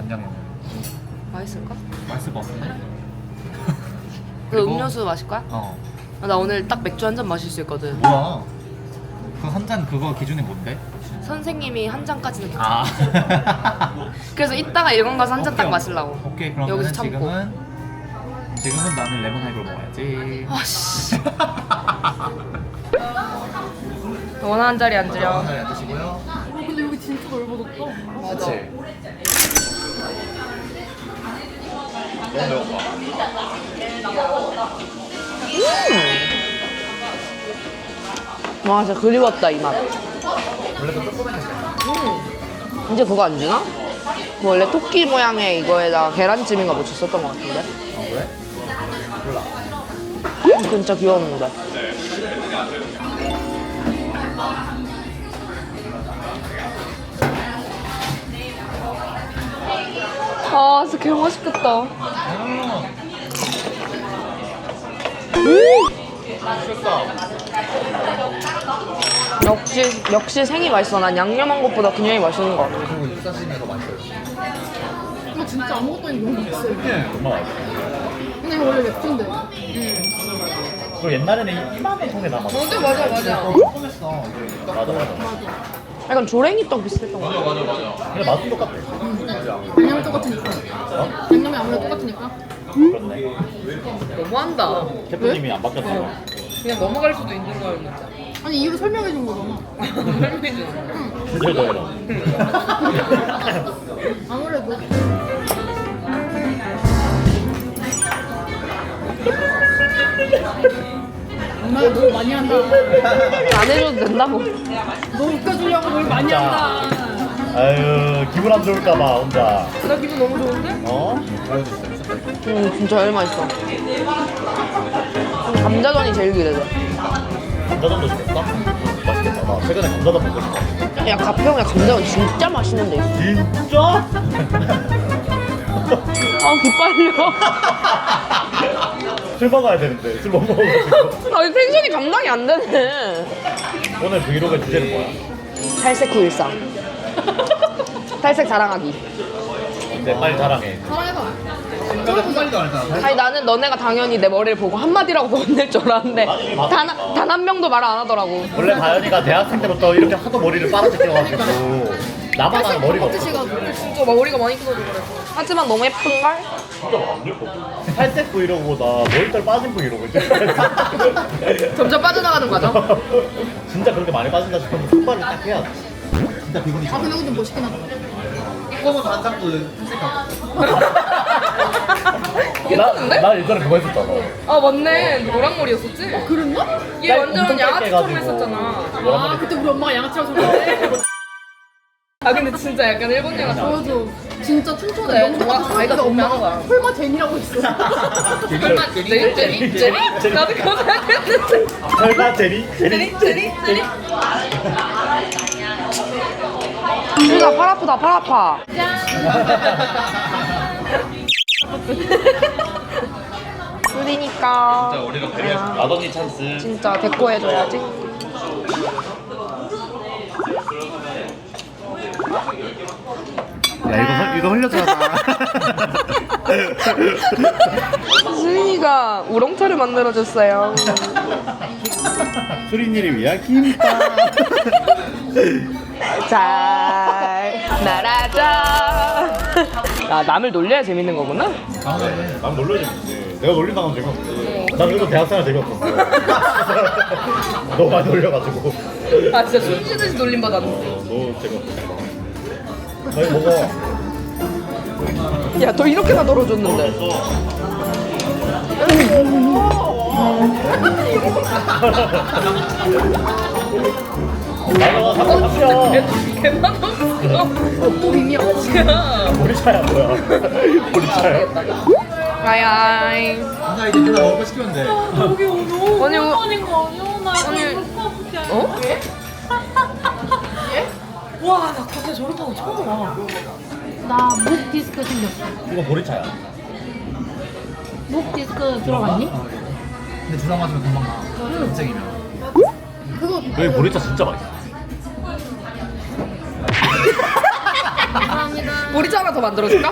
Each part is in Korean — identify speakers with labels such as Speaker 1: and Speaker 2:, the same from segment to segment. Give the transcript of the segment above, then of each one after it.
Speaker 1: 간장에는
Speaker 2: 맛있을까?
Speaker 1: 맛있을 것 같은데?
Speaker 2: 그
Speaker 1: 그리고-
Speaker 2: 음료수 마실 거야?
Speaker 1: 어
Speaker 2: 나 오늘 딱 맥주 한 잔 마실 수 있거든.
Speaker 1: 뭐야 그 한 잔 그거 기준이 뭔데?
Speaker 2: 선생님이 한 잔까지는 괜찮아.
Speaker 1: 아
Speaker 2: 그래서 이따가 일본 가서 한 잔 딱
Speaker 1: 오케이,
Speaker 2: 마시려고.
Speaker 1: 오케이 그러면
Speaker 2: 여기서 참고.
Speaker 1: 지금은 나는 레몬 하이볼 먹어야지.
Speaker 2: 아씨. 원하는 자리 앉으렴.
Speaker 1: 하나 드시고요.
Speaker 3: 근데 여기 진짜 넓어졌다.
Speaker 2: 맞아.
Speaker 1: 너무 매운가?
Speaker 2: 와 진짜 그리웠다 이 맛.
Speaker 1: 원래도 조그맣게
Speaker 2: 이제 그거 안 주나? 그 원래 토끼 모양의 이거에다가 계란찜인가 뭐 줬었던 것 같은데.
Speaker 1: 그래? 몰라.
Speaker 2: 진짜 귀여웠는데. 아 진짜 개 맛있겠다.
Speaker 1: 맛있겠다.
Speaker 2: 역시 생이 맛있어. 난 양념한 것보다 그냥이 맛있는 것 같아.
Speaker 1: 그리고 육사시미가 더 맛있어요.
Speaker 3: 이거 진짜 아무것도 아니고 너무 맛있어요.
Speaker 1: 정말 맛있어.
Speaker 3: 근데 이거 원래 맵진데.
Speaker 1: 그리고 옛날에는 이만한 통에 남았어.
Speaker 2: 맞아.
Speaker 1: 조금했어. 맞아.
Speaker 2: 약간 조랭이 떡 비슷했던 것 같아.
Speaker 1: 근데 맛은 똑같아.
Speaker 3: 양념이 똑같으니까. 양념이 아무래도 똑같으니까.
Speaker 1: 그렇네.
Speaker 2: 너무한다.
Speaker 1: 셰프님이 안 바뀌었어.
Speaker 2: 그냥 넘어갈 수도 있는 거였는데.
Speaker 3: 아니 이유를 설명해 준 거잖아.
Speaker 1: 진짜 더해라.
Speaker 3: 아무래도. 엄마가 뭘 많이 한다.
Speaker 2: 안 해줘도 된다고.
Speaker 3: 너 웃겨주려고 뭘 많이 한다.
Speaker 1: 아유 기분 안 좋을까봐 혼자.
Speaker 2: 나 기분 너무 좋은데?
Speaker 1: 어?
Speaker 2: 진짜 제일 맛있어. 감자전이 제일 기대돼.
Speaker 1: 감자전도 시켰어? 맛있겠다. 나 최근에 감자전 먹고 싶어.
Speaker 2: 야 가평에 감자전 진짜 맛있는 데 있어.
Speaker 1: 진짜?
Speaker 2: 아 기빨려.
Speaker 1: 술 먹어야 되는데 술 못 먹어가지고.
Speaker 2: 아 텐션이 감당이 안 되네.
Speaker 1: 오늘 브이로그의 주제는 뭐야?
Speaker 2: 탈색 후 일상. 탈색 자랑하기.
Speaker 1: 이제 빨리 자랑해.
Speaker 3: 사랑해봐.
Speaker 2: 아니 나는 너네가 당연히 내 머리를 보고 한마디라고 건넬 줄 알았는데
Speaker 1: 아니,
Speaker 2: 단 한 명도 말 안 하더라고.
Speaker 1: 원래 다현이가 대학생 때부터 이렇게 하도 머리를 빨아뜯겨가지고 나만 하는 머리가 없어.
Speaker 3: 시가
Speaker 2: 진짜 머리가 많이 커서 그래. 하지만 너무 예쁜걸?
Speaker 1: 진짜 안 예뻐. 살색 브이로그보다 머리털 빠진 브이로그 이제.
Speaker 2: 점점 빠져나가는 과정?
Speaker 1: 진짜 그렇게 많이 빠진다 싶으면 손발을 딱 해야 돼. 진짜 기분이
Speaker 3: 아 근데 근데 멋있긴 하다.
Speaker 1: 이거만 반장도 탈색하고.
Speaker 2: 괜찮은데?
Speaker 1: 나 예전에 그거 했었잖아.
Speaker 2: 아 맞네. 노란 머리였었지?
Speaker 3: 그랬나?
Speaker 2: 얘 완전
Speaker 1: 엄청 짧게
Speaker 2: 양아치처럼
Speaker 1: 해가지고.
Speaker 2: 했었잖아.
Speaker 3: 아 그때 우리 엄마가 양아치라고 소리했는데.
Speaker 2: 아 근데 진짜 약간 일본 양아치.
Speaker 3: 맞아. 진짜 춘천에
Speaker 2: 그래,
Speaker 3: 너무
Speaker 2: 정말
Speaker 3: 똑같아.
Speaker 2: 아이가
Speaker 3: 근데
Speaker 2: 너무
Speaker 3: 엄마가
Speaker 2: 많아.
Speaker 3: 설마 제니라고 했어.
Speaker 2: 설마 제리? 나도 그거 생각했는데.
Speaker 1: 설마 제리?
Speaker 2: 제리? 우리가 팔 아프다 팔 아파. 술이니까
Speaker 1: 우리가 배려해서 마더니 찬스.
Speaker 2: 진짜 데코 해줘야지.
Speaker 1: 야 이거 흘렸잖아.
Speaker 2: 수인이가 우렁차를 만들어줬어요.
Speaker 1: 수린이를 위한 김밥.
Speaker 2: 잘 날아줘. 야 남을 놀려야 재밌는 거구나.
Speaker 1: 난 놀려야 재밌지. 내가 놀린다면 재미없지. 난 그래도 대학생활 재미없었어. 너무 많이 놀려가지고.
Speaker 2: 아 진짜 숨 쉬듯이 놀림 받았네.
Speaker 1: 너 재미없어. 너 이거 먹어.
Speaker 2: 야 너 이렇게나 널어줬는데.
Speaker 1: 나가 삼촌.
Speaker 2: 개만 없어.
Speaker 3: 또 밈이야.
Speaker 1: 우리 차야 뭐야? 우리 차야.
Speaker 2: 아야이.
Speaker 1: 나 이제 누나 먹을 거 시키면 돼.
Speaker 3: 여기 너무
Speaker 2: 아니,
Speaker 3: 오랜만인 거 아니야? 나 이거
Speaker 2: 아니.
Speaker 3: 먹어볼게.
Speaker 2: 어?
Speaker 3: 와, 나 갑자기 저런 거 처음 와. 나 목 디스크 생겼어.
Speaker 1: 이거 보리차야.
Speaker 3: 목 디스크 들어갔니?
Speaker 1: 근데 주사 맞으면 금방 나. 인생이면.
Speaker 3: 그거
Speaker 1: 여기 보리차 진짜 맛있어.
Speaker 3: 감사합니다.
Speaker 2: 보리차 하나 더 만들어줄까?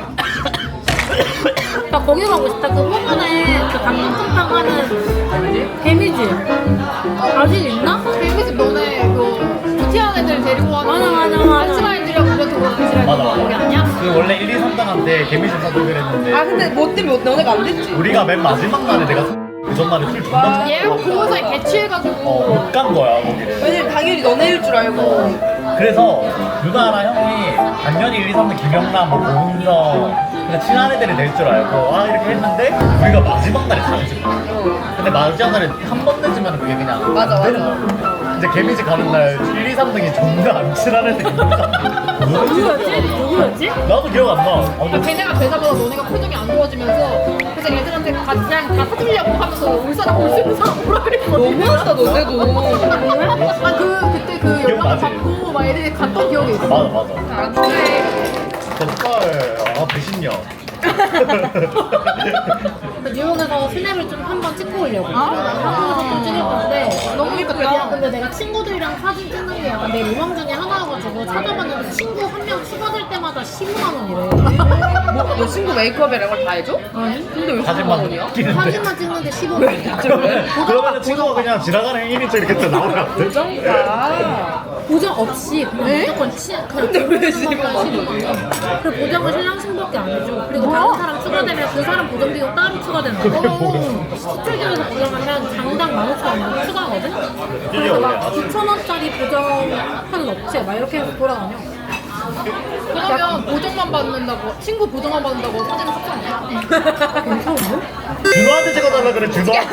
Speaker 3: 나 거기 가고 싶다. 그 호문에 그 감동탕 하는 개미집 아직 있나? 개미집 너네 그 부티한 애들 데리고 와서 맞아. 한시간이들이랑 그거 두고
Speaker 1: 맞아, 맞아.
Speaker 3: 거기 아니야?
Speaker 1: 그 원래 1, 2, 3등한테 개미집 사주기로 했는데
Speaker 2: 아 근데 뭐 때문에 너네가 안 됐지?
Speaker 1: 우리가 맨 마지막 날에 내가 그 전날에 술 존나
Speaker 3: 얘가 그거에 개취해가지고
Speaker 1: 못 간 거야 거기를.
Speaker 2: 왜냐면 당연히 너네일 줄 알고.
Speaker 1: 그래서 누나랑 형이 당연히 1, 2, 3등 김영남, 뭐 고은정 그냥 친한 애들이 될 줄 알고 이렇게 했는데 우리가 마지막 날에 가는 거야. 근데 마지막 날에 한 번 늦으면 그게 그냥
Speaker 2: 맞아,
Speaker 1: 안 되는
Speaker 2: 맞아.
Speaker 1: 거야. 이제 개미집 가는 날 1, 2, 3등이 존나 안 친한 애들이
Speaker 3: 누구였지?
Speaker 1: 나도 기억 안 나.
Speaker 3: 그러니까 걔네가 되자마자 너네가 표정이 안 좋아지면서 그래서 애들한테 그냥 다 사주려고 하면서 올 사람 올 수 있는 사람 오라 그랬거든.
Speaker 2: 너무하다 너네도.
Speaker 3: 그때 그 연락
Speaker 1: 기억나지?
Speaker 3: 받고 막 애들이 갔던 기억이 있어.
Speaker 1: 맞아.
Speaker 2: 안 돼.
Speaker 1: 덕발 배신녀.
Speaker 3: 뉴욕에서 스냅을 좀 한 번 찍고 오려고. 한국에서 좀 찍을 건데 너무 예쁘다. 근데 내가 친구들이랑 사진 찍는 게 약간 내 로망 중에 하나여가지고 찾아봤는데 친구 한 명 추가될 때마다 15만 원이래.
Speaker 2: 너 친구 메이크업에 이런 걸 다 해줘?
Speaker 3: 아니?
Speaker 2: 근데 왜 15만
Speaker 1: 사진만
Speaker 2: 원이야?
Speaker 1: 찍는데.
Speaker 3: 사진만 찍는데 15만 원.
Speaker 1: 그러면 친구가 그냥 지나가는 1인칭 이렇게 또 나오면 안 돼?
Speaker 2: 정가.
Speaker 3: 보장 없이 그냥 무조건
Speaker 2: 근데 왜 15만 원?
Speaker 3: 그 보장은 신랑 신부밖에 안 해줘. 그리고 다른 사람 추가되면 그 사람 보정 비용 따로 추가되는 거. 시출점에서 보정하면 장당 15,000원 추가하거든? 그래서 막 9,000원짜리 보정하는 업체 막 이렇게 해서 돌아다녀. 그러면 보정만 받는다고, 친구 보정만 받는다고 사진을 삭제하냐? 괜찮은데?
Speaker 1: 준호한테 찍어달라 그래 준호한테.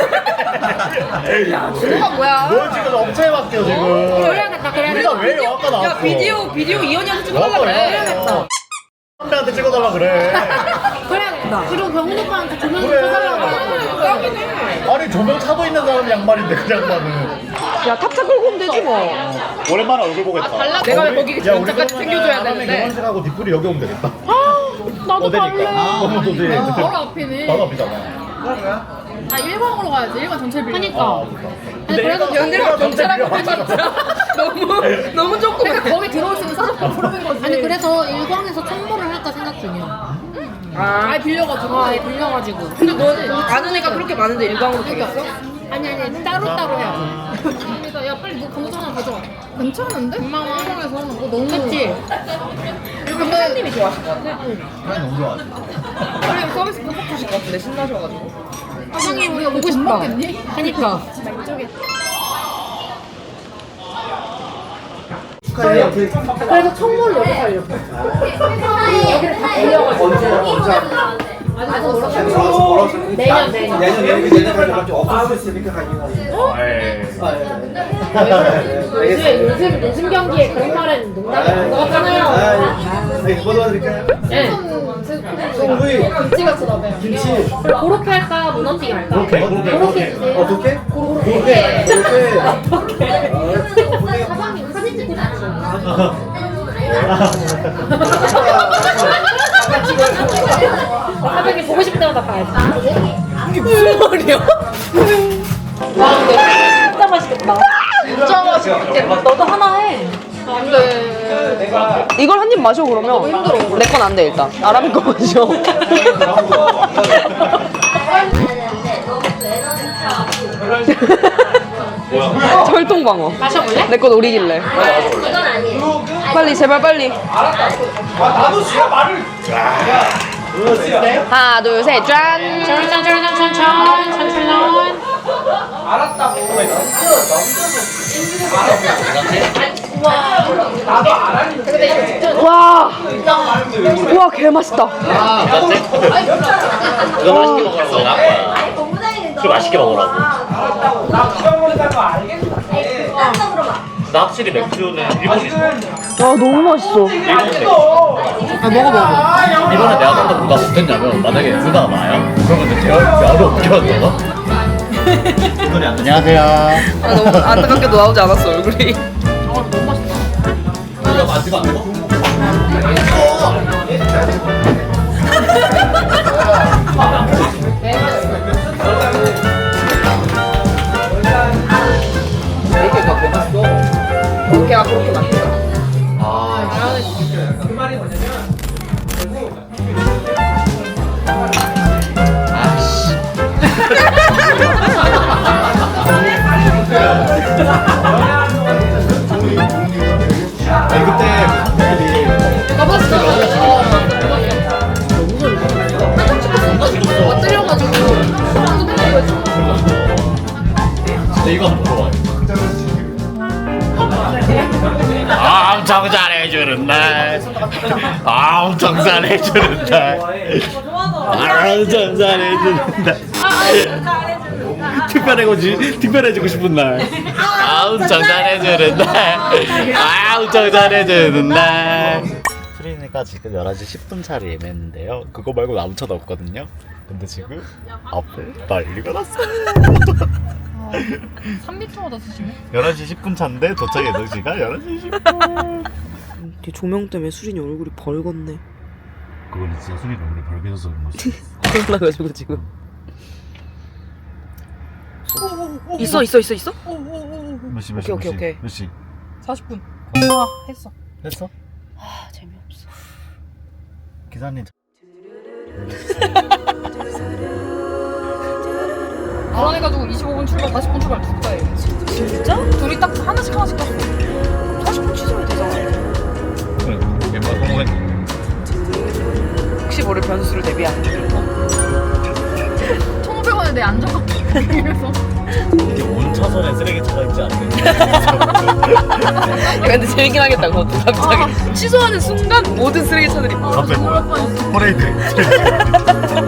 Speaker 2: 준호가 뭐야?
Speaker 1: 너 지금 업체에 맡겨 지금.
Speaker 3: 그래야겠다,
Speaker 1: 우리가 왜 아까 나왔어?
Speaker 2: 야 비디오 이현이한테 찍어달라 그래.
Speaker 3: 그래야겠다.
Speaker 1: 선배한테 찍어달라 그래.
Speaker 3: 그래야겠다. 그리고 경훈 오빠한테 조명 좀
Speaker 1: 그래.
Speaker 3: 쳐달라고.
Speaker 1: 아니 조명 차도 있는 사람 양말인데 그 양말은.
Speaker 2: 야 탑차 끌고 오면 되지 뭐.
Speaker 1: 오랜만에 얼굴 보겠다.
Speaker 2: 내가 왜 거기 전자까지 챙겨줘야 되는데.
Speaker 1: 결혼식하고 뒷불이 여기 오면 되겠다.
Speaker 3: 나도
Speaker 1: 어디니까?
Speaker 3: 갈래.
Speaker 1: 너도
Speaker 3: 바로 앞이네.
Speaker 1: 나도 앞이잖아.
Speaker 3: 아, 1번으로 가야지. 1번 전철 빌려. 그니까.
Speaker 1: 근데
Speaker 3: 그래서
Speaker 2: 연대가 경찰하고 너무 조금.
Speaker 3: 그러니까 거기 들어올 수 있는 사람 부르는 거지. 아니, 그래서 일광에서 청보를 할까 생각 중이야. 아예 빌려가지고. 아예 빌려가지고.
Speaker 2: 근데 너 아는 애가 그렇게 많은데 일광으로 되겠어?
Speaker 3: 아니, 따로따로 해야지. 그래서 야, 빨리 너 강도 하나 가져와. 괜찮은데? 2만 원 일광에서 하는 거 너무. 그치?
Speaker 2: 일광 회장님이 좋아하실 것 같아.
Speaker 1: 난 너무 좋아.
Speaker 2: 그래 서비스 팍팍 주실 것 같은데 신나셔가지고.
Speaker 3: 사장님, 우리가 보고 싶다. 그니까. 그래서 청모를 여기 가려고. 여기를 다 빌려가지고.
Speaker 4: 내년까지 없을 수 있으니까 가능하지.
Speaker 3: 요즘 경기에 그런 말은 농담이 안 나갔잖아요.
Speaker 4: 뭐 도와드릴까요?
Speaker 3: 송구이. 김치가 쳐다봐요.
Speaker 4: 김치.
Speaker 3: 고로케 할까? 무너지게 할까?
Speaker 1: 그렇게.
Speaker 4: 어떻게?
Speaker 3: 고로케.
Speaker 4: 어떻게?
Speaker 3: 사장님 사진 찍고 싶어요. 사장님 보고 싶을 때마다 봐야지.
Speaker 2: 이게 무슨 말이야?
Speaker 3: 와, 근데 진짜 맛있겠다. 진짜 맛있겠다. 너도 하나 해. 안 돼.
Speaker 2: 이걸 한 입 마셔 그러면. 내 건 안 돼 일단. 아람이 거 마셔. 철통방어.
Speaker 3: 마셔볼래?
Speaker 2: 내 건 오리길래. 빨리 제발 빨리. 하나 둘 셋 짠.
Speaker 3: 천천천.
Speaker 2: 와. 와 개 맛있다.
Speaker 1: 이거 맛있게 먹으라고 내가 한 거야. 술 맛있게 먹으라고. 나 확실히 맥주는 일본이 좋아.
Speaker 2: 와 너무 맛있어.
Speaker 1: 일본 맥주.
Speaker 2: 먹어.
Speaker 1: 이번에 내가 좀더 뭐가 못했냐면 만약에 누나가 나야? 그러면 내 대화를 어떻게 하잖아? 안녕하세요.
Speaker 2: 아, 너무 안타깝게도 나오지 않았어 얼굴이.
Speaker 1: 누가 마지막 안 먹어?
Speaker 2: 이렇게가 개 맛있어. 그렇게 그렇게 맛있다.
Speaker 1: 아,
Speaker 4: 그 말이 뭐냐면
Speaker 1: 아니 그때
Speaker 3: 가봤어. 떨려가지고.
Speaker 1: 근데 이거 한번 물어봐요. 엄청 잘해주는 날, 엄청 잘해주는 날, 엄청 잘해주는 날, 특별해지고 싶은 날, 엄청 잘해주는 날, 엄청 잘해주는 날. 수린이가 지금 11시 10분 차를 예매했는데요. 그거 말고 아무 차도 없거든요. 근데 지금 앞에 난리가 났어요.
Speaker 3: 3리터보다 드시네.
Speaker 1: 11시 10분 차인데 도착 예정시간 11시 10분.
Speaker 2: 뒤 조명 때문에 수린이 얼굴이 벌겋네.
Speaker 1: 그건 진짜 수린 얼굴이 벌개져서 그런 거지.
Speaker 2: 올라가지고 지금. 있어.
Speaker 1: 몇 시?
Speaker 2: 오케이.
Speaker 1: 몇 시?
Speaker 3: 40분. 아, 했어.
Speaker 1: 됐어?
Speaker 2: 아 재미없어.
Speaker 1: 기사님
Speaker 3: 그래가지고 25분 출발, 40분 출발 두 거예요.
Speaker 2: 진짜?
Speaker 3: 둘이 딱 하나씩 땄어.
Speaker 2: 40분 취소면 되잖아.
Speaker 1: 그래 멤버 성공했네.
Speaker 2: 혹시 모를 변수를 대비한.
Speaker 3: 1,500원에 내 안정감. 그래서.
Speaker 1: 이게 온 차선에 쓰레기차가 있지 않네.
Speaker 2: 야, 근데 재밌긴 하겠다 그것도 갑자기 취소하는 순간 모든 쓰레기차들이
Speaker 1: 갑자기 뭐야? 퍼레이드